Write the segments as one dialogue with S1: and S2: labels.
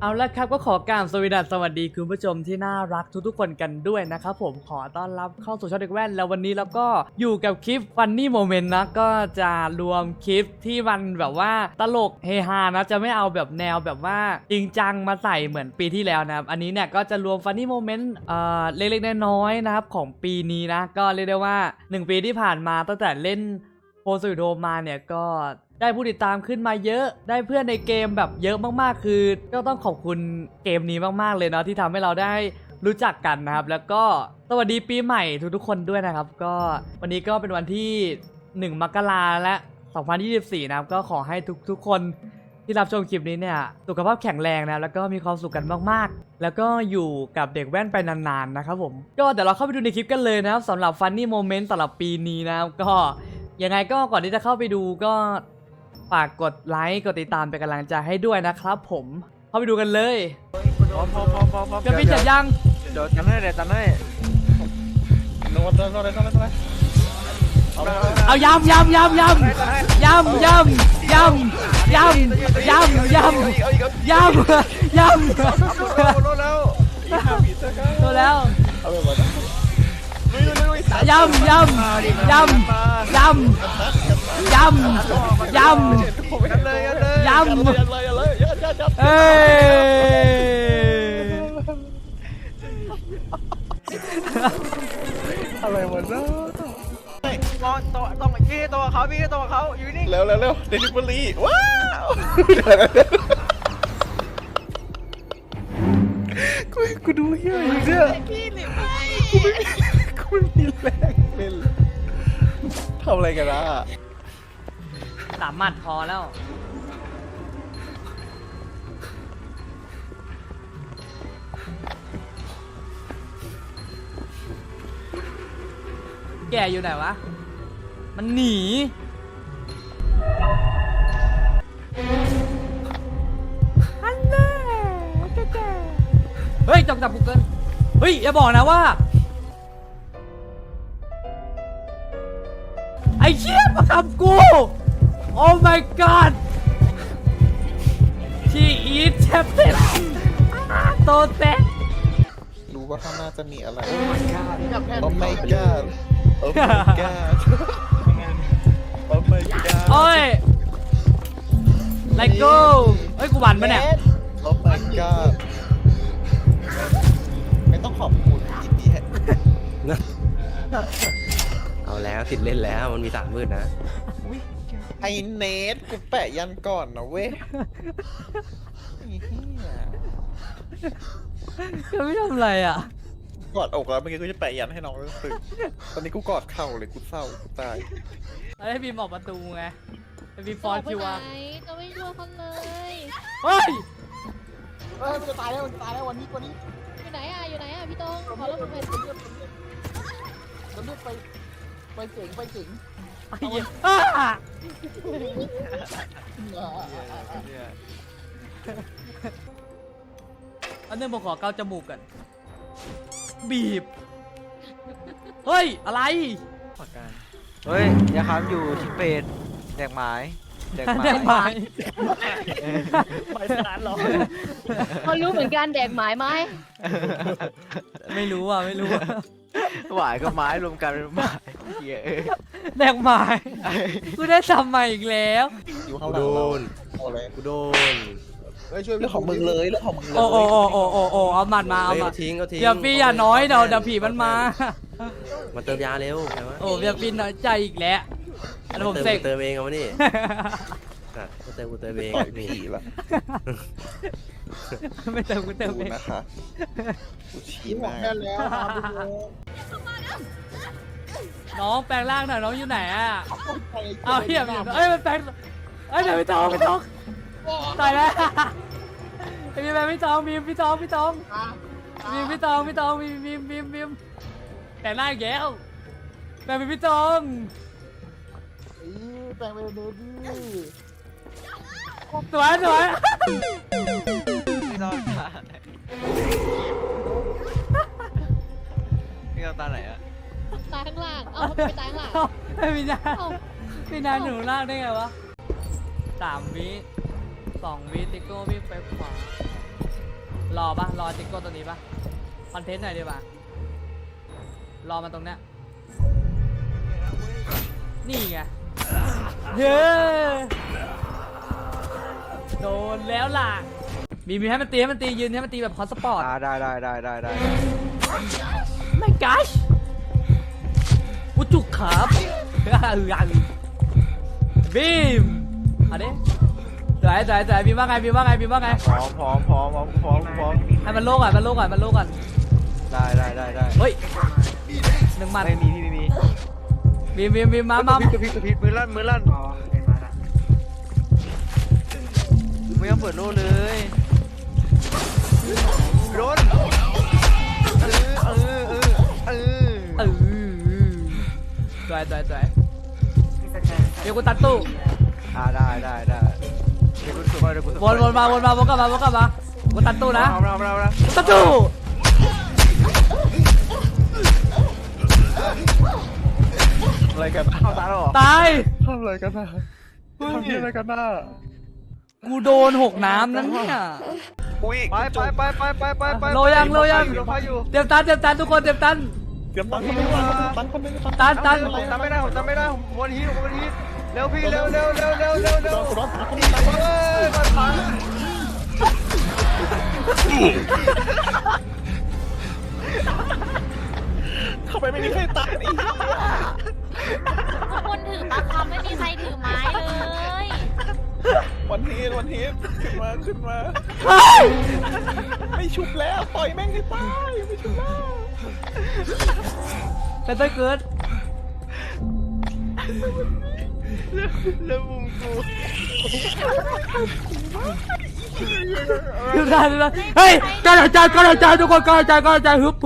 S1: เอาละครับก็ขอกราบสวัสดีคุณผู้ชมที่น่ารักทุกๆคนกันด้วยนะครับผมขอต้อนรับเข้าสู่ช่องเด็กแว่นแล้ววันนี้เราก็อยู่กับคลิป Funny Moment นะก็จะรวมคลิปที่มันแบบว่าตลกเฮฮานะจะไม่เอาแบบแนวแบบว่าจริงจังมาใส่เหมือนปีที่แล้วนะครับอันนี้เนี่ยก็จะรวม Funny Moment เล็กๆน้อยๆนะครับของปีนี้นะก็เรียกได้ว่า1ปีที่ผ่านมาตั้งแต่เล่นโพสต์วิดีโอมาเนี่ยก็ได้ผู้ติดตามขึ้นมาเยอะได้เพื่อนในเกมแบบเยอะมากๆคือก็ต้องขอบคุณเกมนี้มากๆเลยเนาะที่ทำให้เราได้รู้จักกันนะครับแล้วก็สวัสดีปีใหม่ทุกๆคนด้วยนะครับก็วันนี้ก็เป็นวันที่1 มกราและ 2024นะครับก็ขอให้ทุกๆคนที่รับชมคลิปนี้เนี่ยสุขภาพแข็งแรงนะแล้วก็มีความสุขกันมากๆแล้วก็อยู่กับเด็กแว่นไปนานๆนะครับผมก็เดี๋ยวเราเข้าไปดูในคลิปกันเลยนะครับสำหรับ Funny Moment สำหรับปีนี้นะครับก็ยังไงก็ก่อนที่จะเข้าไปดูก็ฝากกดไลค์กดติดตามเป็นกำลังใจให้ด้วยนะครับผมเข้าไปดูกันเลย
S2: พร้อม
S1: จะพี่จัดยัง
S2: เดี๋ยวจันให้โน้ต
S1: เอายำตัวแล้วยำเอ้
S2: อะไรวะเนาะต้องพี่ตัวเขาอยู่นี่เร็วเดลิเวอรี่ว้าวกูดูเฮียอยู่เนี่ยพี่หรือไม่กูไม่มีแรงเป็นทำอะไรกันล่ะ
S1: 3 หมัดพอแล้วแกอยู่ไหนวะมันหนีอันแน่แกเฮ้ยจับกูเกินเฮ้ยอย่าบอกนะว่าไอ้เชี่ยมาทำกูโอ้ my god she eat chapter โตเตะ
S2: รู้ว่าข้างหน้าจะมีอะไร โอ้ my god โอ้ my god โอ้ my god
S1: โอ้ยไลโก้เฮ้ยกูหวันปะเนี่ย
S2: โอ้ my god ไม่ต้องขอบคุณอีกที
S3: เอาแล้วติดเล่นแล้วมันมี3 มืดนะ
S2: ไอเนทกูแปะยันก่อนนะเว้ย
S1: ก็ไม่ทำอะไรอ่ะ
S2: กอดอกแล้วเมื่อกี้กูจะแปะยันให้น้องรู้สึกตอนนี้กูกอดเข่าเลยกูเศร้ากูตาย
S1: ให้บีมออกประตูไงให้บีมฟอนคิวอะ
S4: จะไม่ช่วยคนเลย
S1: เฮ้ย
S4: มันจะตายแล้ววันนี้อยู่ไหนอ่ะพี่ต้องขอรถไป
S5: มันเรียกไปเจ๋ง
S1: ไอ้เหี้ยอันนึงผมขอเกาจมูกกันบีบเฮ้ยอะไร
S5: เฮ้ยยาค้ำอยู่ที่เป็ดแดกไม้
S1: ไม่สารหรอ
S4: เขารู้เหมือนกันแดกหมายไหม
S1: ไม่รู้อ่ะ
S5: หวายกับไม้รวมกันเป็นไม้
S1: แดกหมายกูได้ซ้ำใหม่อีกแล้ว
S2: กูโดนช่วยเรื่องของมึงเลย
S1: โอ้เอาหมัดมาเอาหมัด
S3: ทิ้ง
S1: เดี๋ยวพี่อย่าน้อยเดี๋ยวผีมันมา
S3: เติมยาเร็วใช่ไหม
S1: โอ้เดี๋ยวพี่น้อยใจอีกแล้วอันนี้ผมเสก
S3: เติมเองเอาวะนี่กูเติมเอง
S2: ผีละ
S1: ไม่เติมกูเติมเอง
S2: นะคะกูชี้มา
S5: แล้ว
S1: น้องแปลงร่างหน่อยน้องอยู่ไหนอ่ะเอาเหี้ยเอ้ยมันแปลงเอ้ยเดี๋ยวพี่ตองตายแล้วมีแบบพี่ตองมีพี่ตองแต่หน้าแก้วแต่เป็นพี่ตอง
S5: แปลงไปเลยดิ
S1: สวย
S5: พี่ต้องตาไหนอะ
S4: ตายข้างล่างเอาไปตายข้างล่าง
S1: พี่นาหนูล่างได้ไงวะ3 วิ 2 วิติโก้วิ่งไปขวารอปะรอจิกโก้ตัวนี้ปะคอนเทนต์หน่อยดีป่ะรอมาตรงเนี้ยนี่ไงเย้โดนแล้วล่ะมีให้มันตียืนให้มันตีแบบคอนสปอร์ต
S5: ได้
S1: ไม่กัชวุจุกครับบีมเอาดิจ่ายบีมว่าไง
S5: พร้อม
S1: ให้มันโล่ก่อน
S5: ได้
S1: เฮ้ยหนึ่งมัน
S5: ไม่มีพี่ไม่มี
S1: บีมมาก
S5: ระพริบมือลั่นไม่ต้องเปิดโล่เลยโดน
S1: จ่ายเดี๋ยวกูตัดตู้
S5: ได้เดี๋ยวกู
S1: วนกลับมากูตัดตู้นะ
S5: เอา
S1: ตัดตู้
S2: อะไรกัน
S5: เอาตาหรอ
S1: ตาย
S2: ทำอะไรกันนะทำอะไรกันนะ
S1: กูโดนหกน้ำนั่นเนี่ย
S2: อุ้ย
S5: ไป
S1: โลยัง เตรียมตันทุกคนเตรียมตัน
S2: เตรียมตั้งคนนึง
S1: ตัน
S5: ผมจำไม่ได้ผมวนฮีทเร็วพี่เร็ว
S2: ร้อน
S5: มันพัง
S2: เข้าไปไม่มีใครตัดอีก
S4: คนถือปลาคำไม่มีใครถือไม้เลย
S2: วันทีขึ้นมาไม่ชุบแล้วปล่อยแม่งให้ตายไม่ชุบแล้ว
S1: เป็นต้นเกิด
S5: แล้วมุมกู
S1: ดูได้เฮ้ยกระจายทุกคนกระจายฮึบ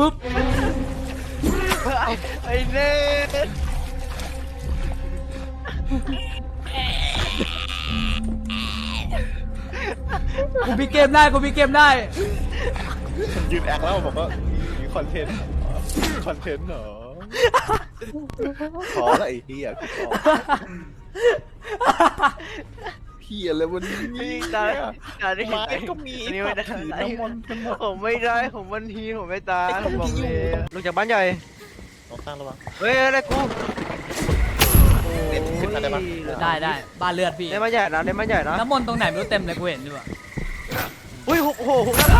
S5: ไอ้เน่
S1: กูมีเกมได้
S2: ยืนแอคแล้วบอกว่ามีคอนเทนต์เหรอขอละไอ้เหี้ยกูขอเหี้ยเลยวันนี้
S5: พี่ตายได้
S2: ไม้ก็มี
S5: นี่ไม่ได้
S2: ถือน้ำมันกันหมด
S5: ผมไม่ได้ผมวันทีผมไม่ตายผมบอกเลยลงจากบ้านใหญ่
S2: ต้องตั้งระวัง
S5: เฮ้ยอะไรกู
S2: เน็ตขึ้นมาได้ปะ
S1: ได้บ้านเลือดพี่
S5: ในบ้านใหญ่นะ
S1: น้ำมนต์ตรงไหนไม่รู้เต็มเลยกูเห็นด้วย
S5: อุ้ยโอ้โหหน้า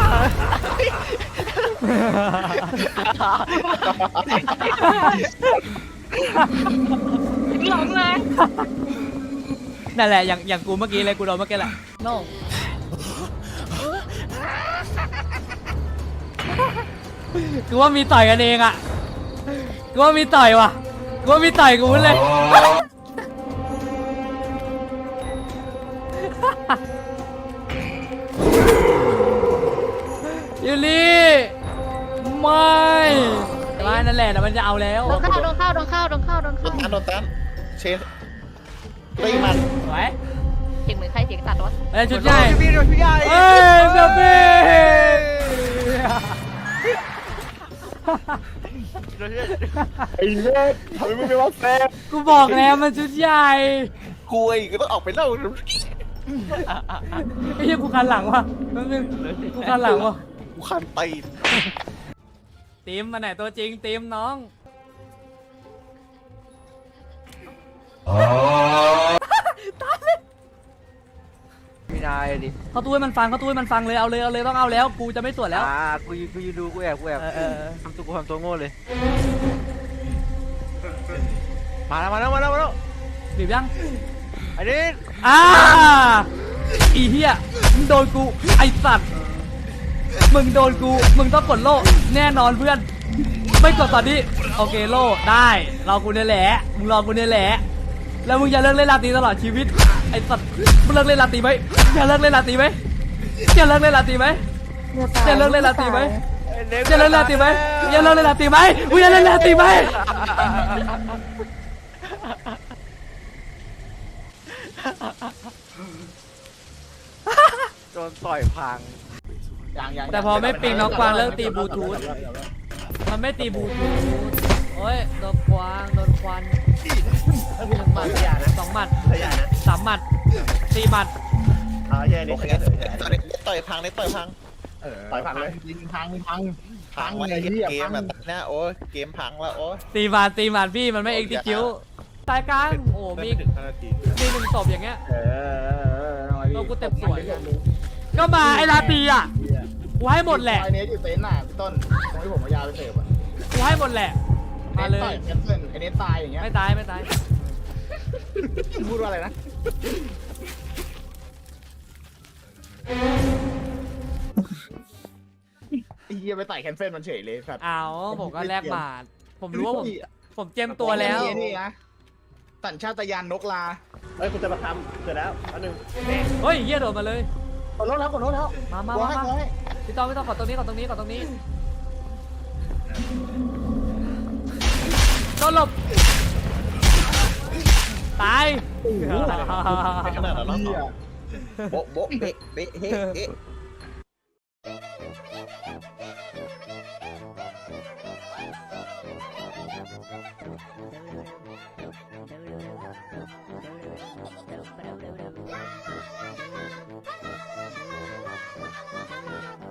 S5: หลงเลย
S1: นั่นแหละอย่างกูเมื่อกี้เลยกูโดนเมื่อกี้แหละโน่กูว่ามีต่อยกันเองอ่ะกูว่ามีต่อยว่ะกูว่ามีต่อยกูเลยยูรี่ไม่นั่นแหละแต่มันจะเอาแล้ว
S4: โดนเข้า
S2: โดนตันเชฟตีมัน
S1: ไหว
S4: เสียงเหมือนใครเสียงตัดวะ
S1: ชุดใหญ่
S5: พี่ใหญ่
S1: เอ้ยเบบี้
S2: ไอ้เน็ตทำไมไม่ว่าแซ่บ
S1: กูบอกแล้วมันชุดใหญ่
S2: กูไอ้ก็ต้องออกไปเล่า
S1: ไอ้เหี้ยกูคันหลังว่ะแป๊บนึงกูคันหลังว่ะ
S2: กูคันตีน
S1: ทีมมาไหนตัวจริงทีมน้อง
S5: ไม่ได้ดิ
S1: เขาตู้ให้มันฟังเลยเอาเลยต้องเอาแล้วกูจะไม่สวนแล้ว
S5: กูยืนดูกูแอบทำตัวโง่เลยมาแล้ว
S1: บีบยัง
S5: อันนี้
S1: อีเหี้ยมึงโดนกูไอสัตว์มึงโดนกูมึงต้องกดโล่แน่นอนเพื่อนไม่กดตอนนี้โอเคโล่ได้รอกูเนี่ยแหละมึงรอกูเนี่ยแหละแล้วมึงอย่าเลิกเล่นลาตีตลอดชีวิตไอสัตว์มึงเลิกเล่นลาตีไหมอย่าเลิกเล่นลาตีไหมอย่าเลิกเล่นลาตีไหมอย่าเลิกเล่นลาตีไหมอย่าเลิกเล่นลาตีไหมอย่าเลิกเล่นลาตีไหมมึงอย่าเลิกเล่นลาตีไหม
S5: โดนต่อยพัง
S1: แต่พอไม่ปิงน้องกวางเลิกตีบลูทูธมันไม่ตีบลูทูธโอ้ยโดนกวางโดนควัน1 หมัด2 หมัด3 หมัด4 หมัด
S2: โอเคต่อยพัง
S6: ต่อยพังเลยยิงพัง
S2: พังไว้
S6: ไอ้
S2: เก
S6: เหี้ย
S2: มแบบนี้โอ้ยเกมพังแล้วโอ้ย
S1: ตีมันพี่มันไม่เอ็กซิคิวสายกลางโอ้มี
S2: ไม่ถึง5 นาที
S1: มี1ศพอย่างเงี้ย ตัวกูเต็มสวย
S6: เ
S1: ก็มาไอ้ลาตีอ่ะกูให้หมดแหละ
S6: ไอเนสอยู่เต็นท์น่ะพี่ต้นตรงที่ผมเอายาไปเสิร์ฟอ่ะ
S1: กูให้หมดแหละมาเลย
S6: ต่อยแคนเซิลไอเนสตายอย่างเงี้ย
S1: ไม่ตายไม่ตาย
S6: พูดว่าอะไรนะไอ้เหี้ยไปต่อยแคนเซิลมันเฉยเลยครับ
S1: เอาผมก็แลกบาทผมรู้ว่าผมเจียมตัวแล้ว
S6: นี่นะสัญชาตญาณนกลา
S3: เฮ้ยคุณจะมาทำเสร็จแล้วอันหนึ่ง
S1: เฮ้ยเหี้ยโดดมาเลย
S6: กดรถแล้ว
S1: มา
S6: กดให้
S1: พี่ต้องขอตรงนี้โดนหลบตาย
S2: ขนาดนั้น
S6: เหี้ย
S2: โบ๊ะโบ๊ะเบ๊ะเบ๊ะเฮ้เอ๊ะ